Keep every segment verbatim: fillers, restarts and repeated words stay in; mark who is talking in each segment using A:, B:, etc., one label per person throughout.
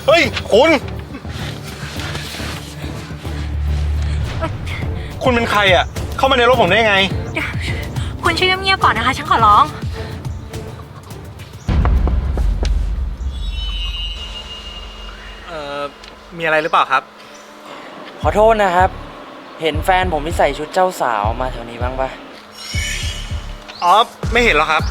A: เฮ้ยคุณคุณเป็นใครอ่ะเข้ามาในรถผมได้ไง
B: คุณช่วยเงียบๆก่อนนะคะฉันขอร้อง
A: เอ่อมีอะไรหรือเปล่าครับ
C: ขอโทษนะครับเห็นแฟนผมที่ใส่ชุดเจ้าสาวมาแถวนี้บ้างปะ
A: อ๋อไม่เห็นหรอกครับ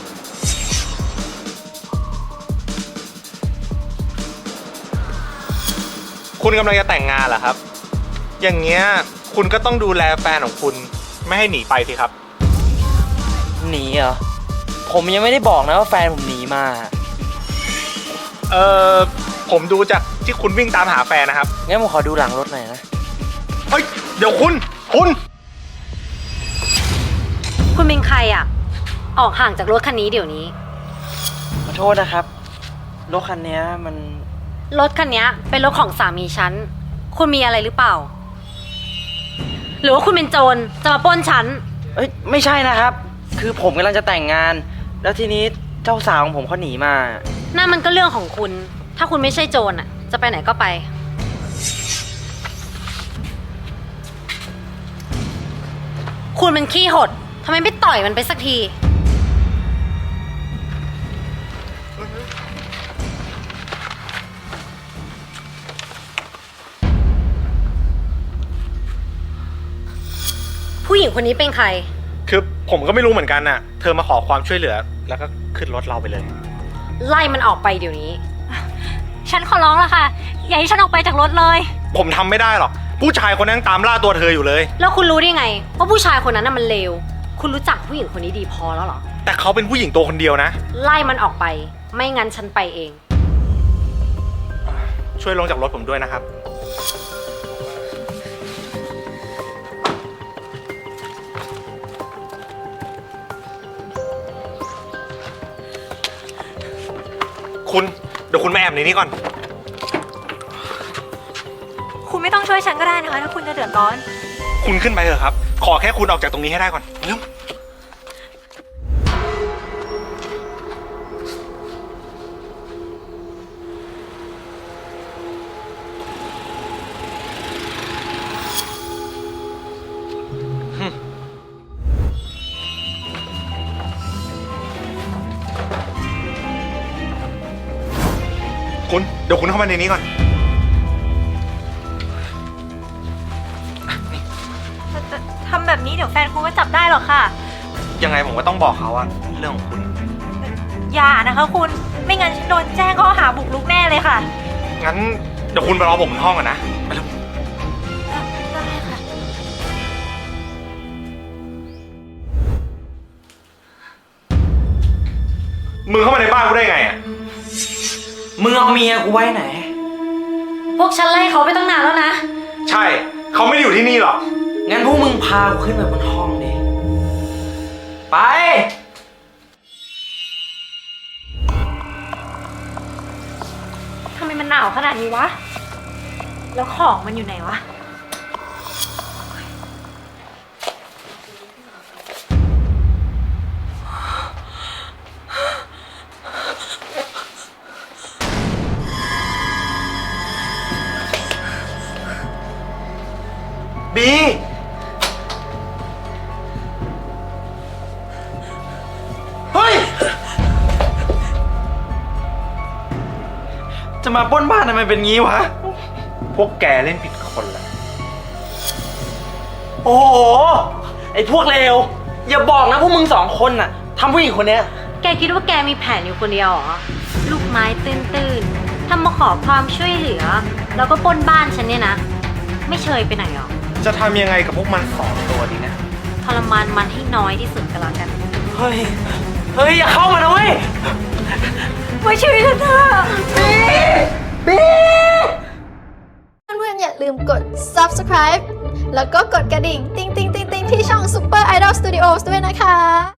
A: คุณกำลังจะแต่งงานเหรอครับอย่างเงี้ยคุณก็ต้องดูแลแฟนของคุณไม่ให้หนีไปสิครับ
C: หนีเหรอผมยังไม่ได้บอกนะว่าแฟนผมหนีมา
A: เออผมดูจากที่คุณวิ่งตามหาแฟนนะครับ
C: งั้นผมขอดูหลังรถหน่อยนะ
A: เฮ้ยเดี๋ยวคุณคุณ
B: คุณเป็นใครอ่ะออกห่างจากรถคันนี้เดี๋ยวนี้
C: ขอโทษนะครับรถคันนี้มัน
B: รถคันนี้เป็นรถของสามีฉันคุณมีอะไรหรือเปล่าหรือว่าคุณเป็นโจรจะมาปล้นฉัน
C: เอ้ยไม่ใช่นะครับคือผมกำลังจะแต่งงานแล้วทีนี้เจ้าสาวของผมเขาหนีมา
B: นั่นมันก็เรื่องของคุณถ้าคุณไม่ใช่โจรอ่ะจะไปไหนก็ไปคุณมันขี้หดทำไมไม่ต่อยมันไปสักทีผู้หญิงคนนี้เป็นใคร
A: คือผมก็ไม่รู้เหมือนกันน่ะเธอมาขอความช่วยเหลือแล้วก็ขึ้นรถเราไปเลย
B: ไล่มันออกไปเดี๋ยวนี้ฉันขอร้องละค่ะอย่าให้ฉันออกไปจากรถเลย
A: ผมทำไม่ได้หรอกผู้ชายคนนั้นตามล่าตัวเธออยู่เลย
B: แล้วคุณรู้ได้ไงว่าผู้ชายคนนั้นน่ะมันเลวคุณรู้จักผู้หญิงคนนี้ดีพอแล้วเหรอ
A: แต่เขาเป็นผู้หญิงตัวคนเดียวนะ
B: ไล่มันออกไปไม่งั้นฉันไปเอง
A: ช่วยลงจากรถผมด้วยนะครับคุณเดี๋ยวคุณมาแอบในนี้ก่อน
B: คุณไม่ต้องช่วยฉันก็ได้นะคะถ้าคุณจะเดือดร้อน
A: คุณขึ้นไปเถอะครับขอแค่คุณออกจากตรงนี้ให้ได้ก่อนเร็วคุณเดี๋ยวคุณเข้ามาในนี้ก่อน
B: ทำแบบนี้เดี๋ยวแฟนคุณก็จับได้หรอกค่ะ
A: ยังไงผมก็ต้องบอกเขาอะเรื่องของคุณ
B: อย่านะคะคุณไม่งั้นฉันโดนแจ้งข้อหาบุกรุกแน่เลยค่ะ
A: งั้นเดี๋ยวคุณไปรอผมบนห้องก่อนนะไปเร็ว
B: ได้ค่ะ
A: มึงเข้ามาในบ้านกูได้ไงอะ
C: มึงเอาเมียกูไว้ไหน
B: พวกฉันไล่เขาไปตั้งนานแล้วนะ
A: ใช่เขาไม่ได้อยู่ที่นี่หรอก
C: งั้นพวกมึงพากูขึ้นไปบนห้องดิไป
B: ทำไมมันหนาวขนาดนี้วะแล้วของมันอยู่ไหนวะ
A: บีเฮ้ย
C: จะมาปล้นบ้านทำไมเป็นงี้วะ
A: พวกแกเล่นผิดคนละ
C: โอ้โหไอ้พวกเลวอย่าบอกนะพวกมึงสองคนน่ะทำผู้หญิงคนเนี้ย
B: แกคิดว่าแกมีแผนอยู่คนเดียวเหรอลูกไม้ตื้นๆทำมาขอความช่วยเหลือแล้วก็ปล้นบ้านฉันเนี่ยนะไม่เชยไปไหนหรอ
A: จะทำยังไงกับพวกมันสองตัวดีนะ
B: ทรมานมันให้น้อยที่สุดก็แล้วกัน
C: เฮ้ยเฮ้ยอย่าเข้ามานะเว้ย
B: ไม่ช่วยฉันเถอะบี
C: บี
D: เพื่อนๆอย่าลืมกด ซับสไครบ์ แล้วก็กดกระดิ่งติ๊งติ๊งติ๊งติ๊งที่ช่อง Super Idol Studios ด้วยนะคะ